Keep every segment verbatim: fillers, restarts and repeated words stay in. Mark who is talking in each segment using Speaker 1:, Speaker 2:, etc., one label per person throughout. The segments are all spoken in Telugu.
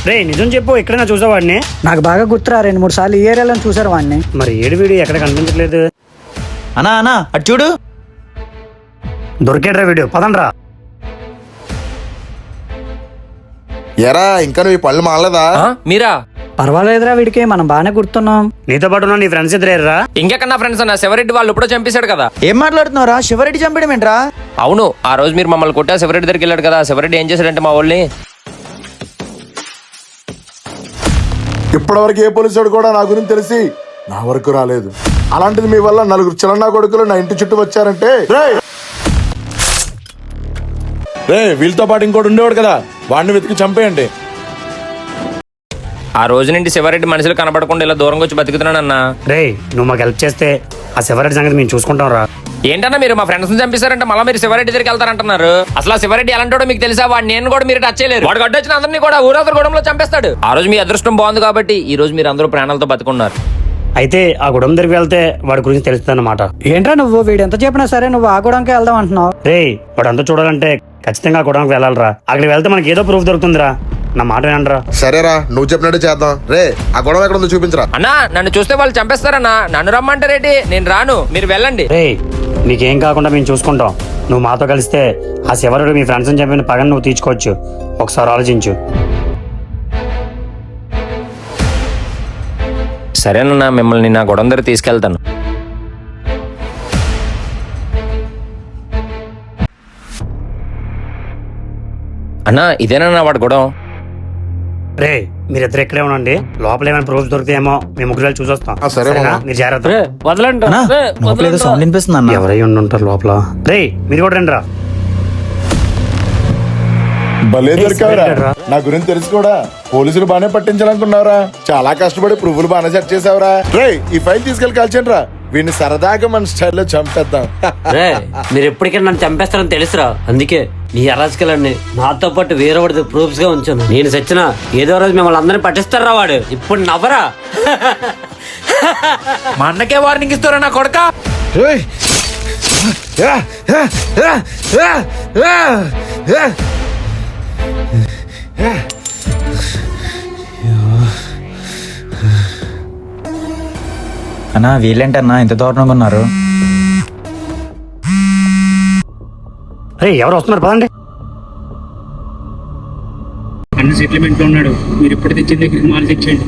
Speaker 1: రే నిజం చెప్పు, ఎక్కడైనా చూసావాడిని?
Speaker 2: నాకు బాగా గుర్తురా, రెండు మూడు సార్లు ఈ ఏరియాలో చూసారు వాడిని.
Speaker 1: మరి ఏడు వీడియో ఎక్కడ కనిపించట్లేదు.
Speaker 3: అన్నా అన్నా అటు చూడు,
Speaker 1: దొరికేట్రా వీడియో, పదండ్రా.
Speaker 4: ఎరా ఇంకా నువ్వు ఈ పళ్ళు మానలేదా?
Speaker 5: మీరా?
Speaker 2: పర్వాలేదురా, వీడికి మనం బాగానే గుర్తున్నాం.
Speaker 1: నీతో పాటు ఉన్న నీ ఫ్రెండ్స్ ఇద్దరేరా?
Speaker 5: ఇంకెక్కడ నా ఫ్రెండ్స్ అన్న, శివరెడ్డి వాళ్ళు ఇప్పుడు చంపేశాడు కదా.
Speaker 3: ఏం మాట్లాడుతున్నారా? శివరెడ్డి చంపడం ఏంట్రా?
Speaker 5: అవును, ఆ రోజు మీరు మమ్మల్ని కొట్టా శివరెడ్డి దగ్గరికి వెళ్ళాడు కదా. శివరెడ్డి ఏం చేశాడంటే మా వాళ్ళని
Speaker 4: ఇప్పటివరకు ఏ పోలీసుడు కూడా నా గురించి తెలిసి నా వరకు రాలేదు. అలాంటిది మీ వల్ల నలుగురు చిలన్నా కొడుకులు నా ఇంటి చుట్టూ వచ్చారంటే రే వీళ్ళతో పాటు ఇంకోటి ఉండేవాడు కదా, వాడిని వెతికి చంపేయండి.
Speaker 5: ఆ రోజు నుండి శివరెడ్డి మనుషులు కనపడకుండా ఇలా దూరంగా వచ్చి బతుకుతున్నానన్నా.
Speaker 1: రే నువ్వు మాకు హెల్ప్ చేస్తే ఆ శివరెడ్డి సంగతి మేము చూసుకుంటాం రా.
Speaker 5: ఏంటన్నా మీరు మా ఫ్రెండ్స్ ని చంపిస్తారంటే మళ్ళీ మీరు శివరెడ్డి దగ్గరికి వెళ్తారంటున్నారు. అసలు ఆ శివరెడ్డి ఎలాంటో మీకు తెలుసా? వాడు నేను కూడా మీరు టచ్ చేయలేరు. వాడు గడ్డ వచ్చిన అందరినీ కూడా ఊరవతల గూడెంలో చంపేస్తాడు. ఆ రోజు మీ అదృష్టం బాగుంది కాబట్టి ఈ రోజు మీరు అందరూ ప్రాణాలతో బతుకున్నారు.
Speaker 1: అయితే ఆ గుడం దగ్గరికి వెళ్తే వాడి గురించి తెలుస్తుంది అన్నమాట.
Speaker 2: ఏంట్రా నువ్వు, వీడు ఎంత చెప్పినా సరే నువ్వు ఆ గూడానికి వెళ్దాం అంటున్నావు.
Speaker 1: రే వాడు అంతా చూడాలంటే ఖచ్చితంగా ఆ గుడానికి వెళ్ళాలరా. అక్కడికి వెళ్తే మనకి ఏదో ప్రూఫ్ దొరుకుతుందిరా. నా మాట వినండిరా.
Speaker 4: సరేరా, నువ్వు చెప్పినట్టు చేద్దాం. రే ఆ గొడవ ఎక్కడ ఉందో చూపించరా.
Speaker 5: అన్నా నన్ను చూస్తే వాళ్ళు చంపేస్తారన్నా. నన్ను రమ్మంటారేంటి? నేను రాను, మీరు వెళ్ళండి.
Speaker 1: రే నీకేం కాకుండా మేము చూసుకుంటాం. నువ్వు మాతో కలిస్తే ఆ శివరుడు మీ ఫ్రెండ్స్ అని చెప్పిన పగని నువ్వు తీర్చుకోవచ్చు. ఒకసారి ఆలోచించు.
Speaker 5: సరేనన్నా, మిమ్మల్ని నా గొడవ దగ్గర తీసుకెళ్తాను. అన్నా ఇదేనా వాడు గొడవ?
Speaker 1: రే మీరిద్దరు ఇక్కడే ఉండండి, లోపల ఏమైనా ప్రూఫ్ దొరికితేమో మేము ముగ్గురు వెళ్ళి చూసొస్తాం.
Speaker 4: ఆ, సరే
Speaker 1: సరేనా?
Speaker 4: మామ.
Speaker 1: మీరు జాగ్రత్త.
Speaker 5: వదలండి.
Speaker 3: అన్నా లోపల ఏదో సౌండ్ వినిపిస్తుంది అన్న.
Speaker 1: ఎవరై ఉండి ఉంటారు లోపల. రే మీరు కూడా రండి రా.
Speaker 4: భలే దొరికావురా.
Speaker 1: రా.
Speaker 4: నా గురించి తెలుసు కూడా పోలీసులు బానే పట్టించాలనుకున్నావురా. చాలా కష్టపడి ప్రూఫ్లు బాగానే సెట్ చేసావురా. రే ఈ ఫైల్ తీసుకెళ్లి కాల్చండి రా. వీడిని సరదాగా మన స్టైల్లో చంపేద్దాం.
Speaker 6: రే మీరు ఎప్పటికైనా నన్ను చంపేస్తారని తెలుసురా, అందుకే మీ అరాజకలన్నీ నాతో పాటు వేరే వాడితో ప్రూఫ్స్ గా ఉంచాను. నేను సచ్చిన ఏదో రోజు మిమ్మల్ని అందరినీ పట్టిస్తారా వాడు. ఇప్పుడు నవ్వరా?
Speaker 5: మా అన్నకే వార్నింగ్ ఇస్తారా నా కొడక?
Speaker 3: అన్నా వీళ్ళేంటన్నా ఇంత దారుణంగా ఉన్నారు?
Speaker 1: రే ఎవరు వస్తున్నారు పదండి.
Speaker 7: అన్న సెటిల్మెంట్ లో ఉన్నాడు, మీరు ఇప్పుడు తెచ్చిన దగ్గరికి మాల్ తెచ్చండి.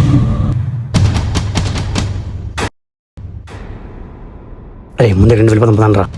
Speaker 1: రే ముందు రెండు వెళ్ళిపోతాం పదండి రా.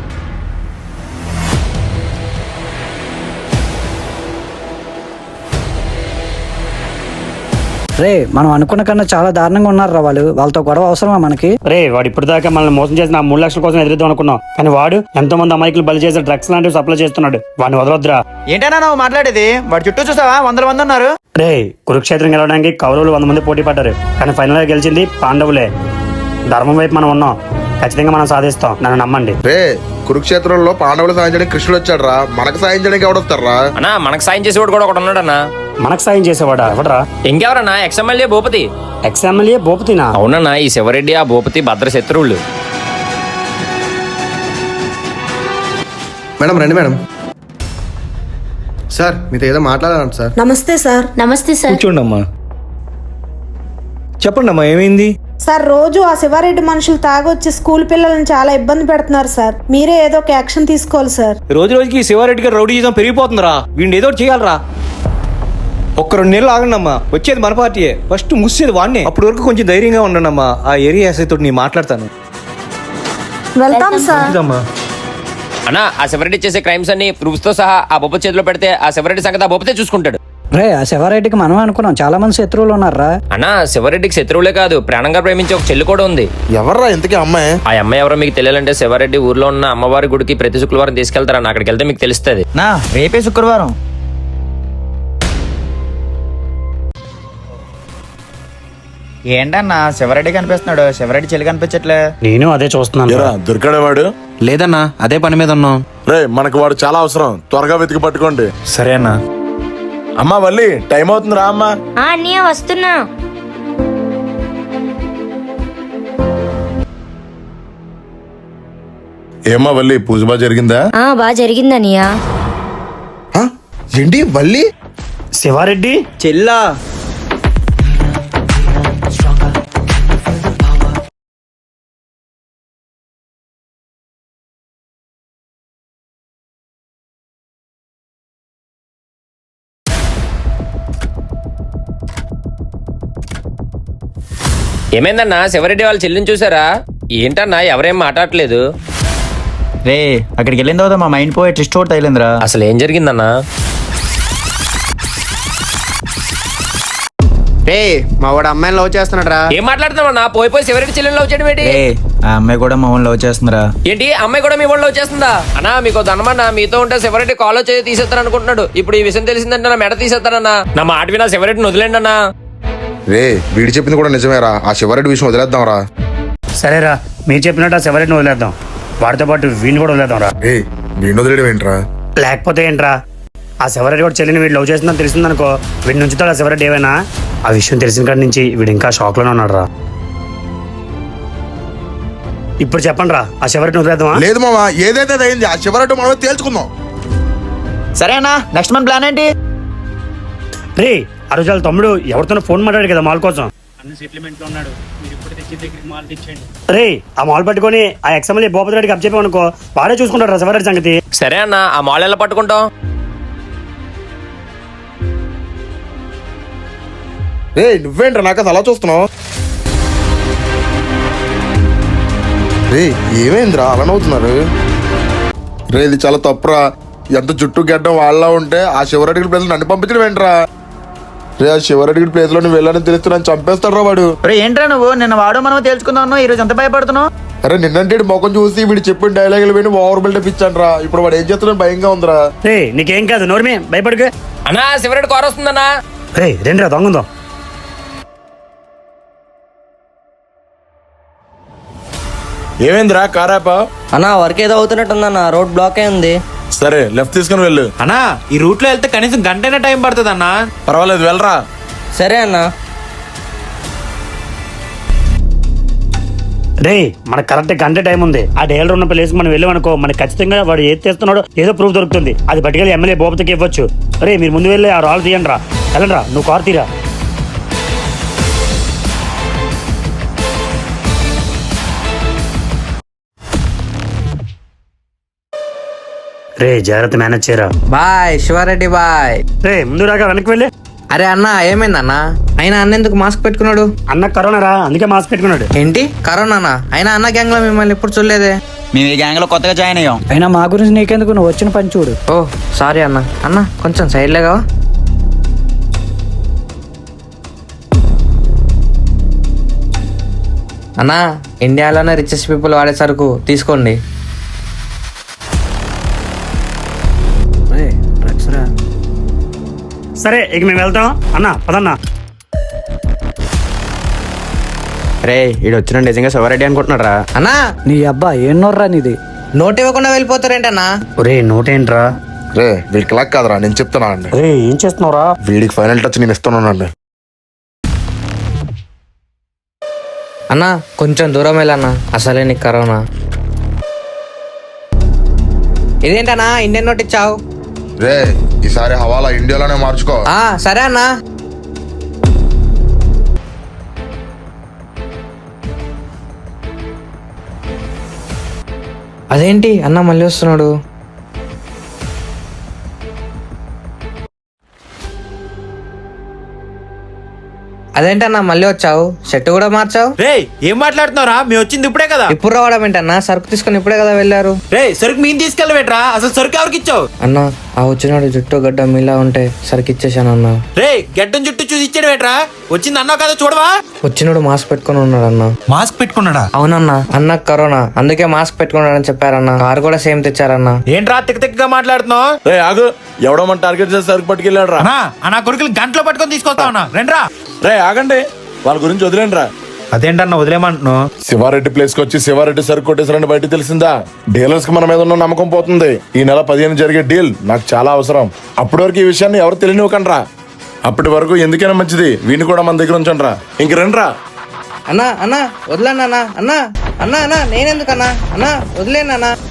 Speaker 2: రే మనం అనుకున్న కన్నా చాలా దారుణంగా ఉన్నారా వాళ్ళు. వాళ్ళతో గొడవ అవసరమా మనకి?
Speaker 1: రే వాడు ఇప్పటిదాకా మనల్ని మోసం చేసిన ఆ మూడు లక్షల కోసం ఎదురుద్దాం అనుకున్నాం, కానీ వాడు ఎంతో మంది అమాయకులు బలి చేసే డ్రగ్స్ లాంటివి సప్లై చేస్తున్నాడు. వాడిని వదలొద్దురా.
Speaker 3: ఏంటన్నా నువ్వు మాట్లాడేది? వాడు చుట్టూ చూసావా, వందల మంది ఉన్నారు.
Speaker 1: రే కురుక్షేత్రం గెలవడానికి కౌరవులు వంద మంది పోటీ పడ్డారు, కానీ ఫైనల్ గా గెలిచింది పాండవులే. ధర్మం వైపు మనం ఉన్నాం, ఖచ్చితంగా మనం సాధిస్తాం, నన్ను నమ్మండి.
Speaker 4: రే కురుక్షేత్రంలో పాండవులు సాయం చేయడానికి కృష్ణుడు వచ్చాడు రా. మనకు సాయం చేయడానికి ఎవడొస్తారా?
Speaker 5: అన్నా మనకు సాయం చేసేవాడు కూడా ఒకడు ఉన్నాడన్నా.
Speaker 1: మనకు సాయం చేసేవాడా? ఎవడరా?
Speaker 5: ఇంకెవరన్నా? ఎక్స్ఎమ్మెల్యే భూపతి.
Speaker 1: ఎక్స్ ఎమ్మెల్యే భూపతినా?
Speaker 5: అవునన్నా, ఈ శివరెడ్డి ఆ భూపతి భద్ర శత్రువులు.
Speaker 8: మేడం రండి మేడం. సార్ మీతో ఏదో మాట్లాడాలంట సార్.
Speaker 9: నమస్తే సార్.
Speaker 10: నమస్తే సార్.
Speaker 11: కూర్చోండి అమ్మా. చెప్పండి అమ్మా, ఏమైంది?
Speaker 9: సార్ రోజు ఆ శివారెడ్డి మనుషులు తాగొచ్చి స్కూల్ పిల్లల్ని చాలా ఇబ్బంది పెడుతున్నారు సార్. మీరే ఏదో ఒక యాక్షన్ తీసుకోవాలి సార్.
Speaker 11: రోజు రోజుకి శివారెడ్డి గారు రౌడీ జీతం పెరిగిపోతుందిరా. వీడిని ఏదో ఒకటి చేయాలరా. ఒక్క రెండు నెలలు ఆగండి అమ్మా, వచ్చేది మన పార్టీయే, ఫస్ట్ ముసేది వాడినే. అప్పటి వరకు కొంచెం ధైర్యంగా ఉండండి అమ్మా. ఆ ఏరియా ఎస్ఐ తోటి నేను మాట్లాడతాను.
Speaker 9: వెళ్తాం సార్.
Speaker 11: అమ్మా
Speaker 5: అన్నా ఆ శివరెడ్డి చేసే క్రైమ్స్ అన్ని ప్రూఫ్స్ తో సహా ఆ భూపతి చేతిలో పెడితే ఆ శివరెడ్డి సంగతి ఆ భూపతే చూసుకుంటాడు.
Speaker 2: రే ఆ శివారెడ్డికి మనం అనుకున్నాం, చాలా మంది శత్రువులు ఉన్నారా.
Speaker 5: అన్నా శివరెడ్డికి శత్రువులే కాదు, ప్రాణంగా ప్రేమించే ఒక చెల్లి కూడా ఉంది.
Speaker 4: ఎవర్రా ఇంతకీ అమ్మాయి?
Speaker 5: ఆ అమ్మాయి ఎవరో మీకు తెలియాలంటే శివారెడ్డి ఊర్లో ఉన్న అమ్మవారి గుడికి ప్రతి శుక్రవారం తీసుకెళ్తారన్న. అక్కడికి వెళ్తే మీకు తెలుస్తుంది.
Speaker 3: నా రేపే శుక్రవారం. ఏంటన్నా శివరెడ్డి కనిపిస్తున్నాడు, శివరెడ్డి చెల్లి కనిపించట్లే.
Speaker 1: నేను అదే చూస్తున్నాను.
Speaker 4: దొరికాడే వాడు?
Speaker 3: లేదన్నా, అదే పని మీద ఉన్నాం.
Speaker 4: రే మనకు వాడు చాలా అవసరం, త్వరగా వెతికి పట్టుకోండి.
Speaker 3: సరే అన్నా.
Speaker 4: అమ్మా వల్లి టైం అవుతుంది రా అమ్మా.
Speaker 10: అన్నయ్య వస్తున్నా.
Speaker 4: ఏమ్మా వల్లి పూజ బాగా జరిగిందా?
Speaker 10: బాగా జరిగిందన్నయ్య.
Speaker 4: ఏంటి వల్లి
Speaker 1: శివారెడ్డి
Speaker 2: చెల్లా
Speaker 5: ఏమైందన్నా శివరెడ్డి వాళ్ళ చెల్లిని చూసారా? ఏంటన్నా ఎవరేం మాట్లాడట్లేదు?
Speaker 3: రే అక్కడికి వెళ్ళిన తర్వాత మా మైండ్ పోయి ట్విస్ట్ అవుట్ తగిలిందిరా.
Speaker 5: అసలు ఏం జరిగిందన్నా?
Speaker 8: రే మా వాడు అమ్మాయిని లవ్ చేస్తున్నాడు రా.
Speaker 5: ఏం మాట్లాడుతున్నావన్నా? పోయి పోయి శివరెడ్డి చెల్లిని లవ్ చేయడం ఏంటి?
Speaker 3: రే ఆ అమ్మాయి కూడా మా లవ్ చేస్తుందిరా.
Speaker 5: ఏంటి అమ్మాయి కూడా మీ వాళ్ళు లవ్ చేస్తుందా? అన్నా మీకు ధనమన్నా, మీతో ఉంటే శివరెడ్డి కాల్ చేసి తీసేస్తాను అనుకుంటున్నాడు. ఇప్పుడు ఈ విషయం తెలిసిందంటే నా మెడ తీసేస్తానన్నా. నా మాట వినా శివరెడ్డిని వదిలేండి అన్నా.
Speaker 4: రే వీడి చెప్పింది కూడా నిజమేరా, ఆ శివరెడ్డి విషయం వదిలేద్దాం రా.
Speaker 1: సరేరా, మీరు చెప్పినట్టు ఆ శివారెడ్డిని వదిలేద్దాం. వాడితో పాటు వీడిని కూడా వదిలేద్దాం రా.
Speaker 4: ఏ వీడిని వదిలేయడం ఏంట్రా?
Speaker 1: లేకపోతే ఏంట్రా, ఆ శివారెడ్డి కూడా చెల్లిని వీడు లవ్ చేస్తుందని తెలిసిందనుకో, వీడి నుంచుతాడు ఆ శివారెడ్డి ఏమైనా. ఆ విషయం తెలిసిన కాడి నుంచి వీడు ఇంకా షాక్ లోనే ఉన్నాడు రా. ఇప్పుడు చెప్పండి రా, ఆ శివారెడ్డిని వదిలేద్దామా?
Speaker 4: లేదు మామ, ఏదైతే అయింది ఆ శివరెడ్డి మనమే తేల్చుకుందాం.
Speaker 3: సరేనా, నెక్స్ట్ మన ప్లాన్ ఏంటి?
Speaker 1: రే ఆ రోజు వాళ్ళ తమ్ముడు ఎవరితోనో ఫోన్ మాట్లాడాడు కదా మాల్ కోసం.
Speaker 7: అన్న సెటిల్మెంట్ లో ఉన్నాడు. మీరు ఇప్పుడు తెచ్చిన దగ్గరికి మాల్ తెచ్చండి.
Speaker 1: రే ఆ మాల్ పట్టుకొని ఆ ఎక్స్ఎమ్ఎల్ఏ భూపతి రెడ్డికి అప్ చెప్పామనుకో, వాడే చూసుకుంటాడు రా శివారెడ్డి సంగతి.
Speaker 5: సరే అన్న, ఆ మాల్ ఎలా పట్టుకుంటాం?
Speaker 4: రే నువ్వేంట్రా నాకు అలా చూస్తున్నావు? రే ఏమైందిరా అలా నవ్వుతున్నారు? రే ఇది చాలా తప్పురా. ఎంత జుట్టు గడ్డం వాళ్ళ ఉంటే ఆ శివరెడ్డి ప్లేస్ నన్ను పంపించడం ఏంట్రా? రే ఆ శివరెడ్డి ప్లేస్ లో నువ్వు వెళ్ళని తెలిస్తే నన్ను చంపేస్తాడు రా వాడు.
Speaker 3: రే ఏంట్రా నువ్వు నిన్న వాడు మనం తెలుసుకుందాం, ఈ రోజు ఎంత భయపడుతున్నావు?
Speaker 4: అరే నిన్నంటే ముఖం చూసి వీడు చెప్పిన డైలాగులు విని ఓవర్ బిల్డప్ ఇచ్చాను రా. ఇప్పుడు వాడు ఏం చేస్తున్నాడు భయంగా ఉందిరా.
Speaker 1: రే నీకేం కాదు, నోర్మే భయపడుకు.
Speaker 5: అన్నా శివరెడ్డి కార్ వస్తుందన్నా.
Speaker 1: రే రండి రా దొంగందో.
Speaker 4: ఏమైందిరా కారాపా?
Speaker 8: అన్న వర్క్ ఏదో అవుతున్నట్టుందన్న, రోడ్ బ్లాక్ అయింది.
Speaker 4: సరే లెఫ్ట్ తీసుకుని వెళ్ళు.
Speaker 11: అన్నా ఈ రూట్ లో వెళ్తే కనీసం గంటైనా టైం పడుతుంది అన్నా.
Speaker 4: పర్వాలేదు వెళ్ళరా.
Speaker 8: సరే అన్న.
Speaker 1: రే మనకు కరెక్ట్ గంట టైం ఉంది. ఆ డైలర్ ఉన్న ప్లేస్ మనం వెళ్ళామనుకో, మనకి ఖచ్చితంగా వాడు ఏది చేస్తున్నాడో ఏదో ప్రూఫ్ దొరుకుతుంది. అది పట్టుకెళ్ళి ఎమ్మెల్యే భూపతికి ఇవ్వచ్చు. రే మీరు ముందు వెళ్ళి ఆ రాళ్ళు తీయండి రా. వెళ్ళండి రా, నువ్వు కారు తీరా. రే జాగ్రత్త మేనేజ్ చేయరా.
Speaker 8: Bye Sivareddy bye.
Speaker 1: రే ముందు రాగా వెనక్కి వెళ్ళి.
Speaker 8: అరే అన్న ఏమైందన్న? అయినా అన్న ఎందుకు మాస్క్ పెట్టుకున్నాడు?
Speaker 1: అన్న కరోనా రా, అందుకే మాస్క్ పెట్టుకున్నాడు.
Speaker 8: ఏంటి కరోనా? అయినా అన్న గ్యాంగ్ లో మిమ్మల్ని ఎప్పుడు చూడలేదే.
Speaker 3: మేము ఈ గ్యాంగ్ లో కొత్తగా జాయిన్ అయ్యాం.
Speaker 2: అయినా మా గురించి నీకెందుకు, నువ్వు వచ్చిన పని చూడు.
Speaker 8: ఓ సారీ అన్న. అన్న కొంచెం సైడ్ లేగా. అన్న ఇండియాలోనే రిచెస్ట్ పీపుల్ వాడే సరుకు తీసుకోండి.
Speaker 1: సరే ఇక మేము వెళ్తాం. అన్న పదన్నా.
Speaker 8: రే ఈడు వచ్చిన నిజంగా శివారెడ్డి అనుకుంటున్నాడు రా. అన్నా
Speaker 2: నీ అబ్బా ఏం నోర్రా నీది.
Speaker 8: నోట్ ఇవ్వకుండా వెళ్ళిపోతారేంటన్నా?
Speaker 1: ఒరే నోటేంట్రా?
Speaker 4: రే వీడికి లాక్ కాదురా, నేను చెప్తున్నా అండి.
Speaker 1: రే ఏం చేస్తున్నావురా?
Speaker 4: వీడికి ఫైనల్ టచ్ నేను ఇస్తున్నానండి.
Speaker 8: అన్నా కొంచెం దూరం వెళ్ళన్నా, అసలే నీకు కరోనా. ఇదేంటన్నా ఇండియన్ నోట్ ఇచ్చావు?
Speaker 4: రే ఈసారి హవాలా ఇండియాలోనే మార్చుకో.
Speaker 8: ఆ సరే అన్నా. అదేంటి అన్న మళ్ళీ వస్తున్నాడు? అదేంటన్నా మళ్ళీ వచ్చావు? షర్ట్ కూడా మార్చావు?
Speaker 11: రే ఏం మాట్లాడుతున్నావురా? మేము వచ్చింది ఇప్పుడే కదా.
Speaker 8: ఇప్పుడు రావడం ఏంటన్నా? సరుకు తీసుకొని ఇప్పుడే కదా వెళ్ళారు.
Speaker 11: రే సరుకు మేము తీసుకెళ్ళబెట్రా, అసలు సరుకు ఎవరికి ఇచ్చావు?
Speaker 8: అన్నా ఆ వచ్చినాడు జుట్టు గడ్డ మీలా ఉంటే సరుకు ఇచ్చేసాను అన్నా.
Speaker 11: రే గడ్డం చుట్టూ చూసి ఇచ్చాడు బెట్రా, వచ్చింది అన్నావు కదా చూడవా.
Speaker 8: వచ్చినాడు మాస్క్ పెట్టుకుని ఉన్నాడు అన్న.
Speaker 11: మాస్క్ పెట్టుకున్నాడా?
Speaker 8: అవునన్నా, అన్న కరోనా అందుకే మాస్క్ పెట్టుకున్నాడని చెప్పారన్న. కారు కూడా సేమ్ తెచ్చారన్న.
Speaker 11: ఏంట్రా తిక్క తిక్కగా మాట్లాడుతున్నావు?
Speaker 4: రే ఆగు, ఎవడో మన టార్గెట్ చేసి సరుకు పట్టుకెళ్ళాడు రా.
Speaker 11: నా కొడుకులు గంటలో పట్టుకొని తీసుకొస్తా ఉన్నా, రండ్రా.
Speaker 4: రే ఆగండి, వాళ్ళ గురించి వదిలేండి రా.
Speaker 11: అదేంటన్నా వదిలేమంటున్నావు?
Speaker 4: శివారెడ్డి ప్లేస్ కి వచ్చి శివారెడ్డి సరుకు కొట్టేసారని బయట తెలిసిందా? డీలర్స్ కి మన మీద ఉన్న నమ్మకం పోతుంది. ఈ నెల పదిహేను జరిగే డీల్ నాకు చాలా అవసరం. అప్పటి వరకు ఈ విషయాన్ని ఎవరు తెలియనివ్వకండి రా. అప్పటి వరకు ఎందుకైనా మంచిది వీడిని కూడా మన దగ్గర ఉంచండి రా. ఇంక రండి రా.
Speaker 8: అన్నా అన్నా వదిలేనా అన్నా? అన్నా అన్నా అన్నా నేనెందుకన్నా? అన్నా వదిలేనా?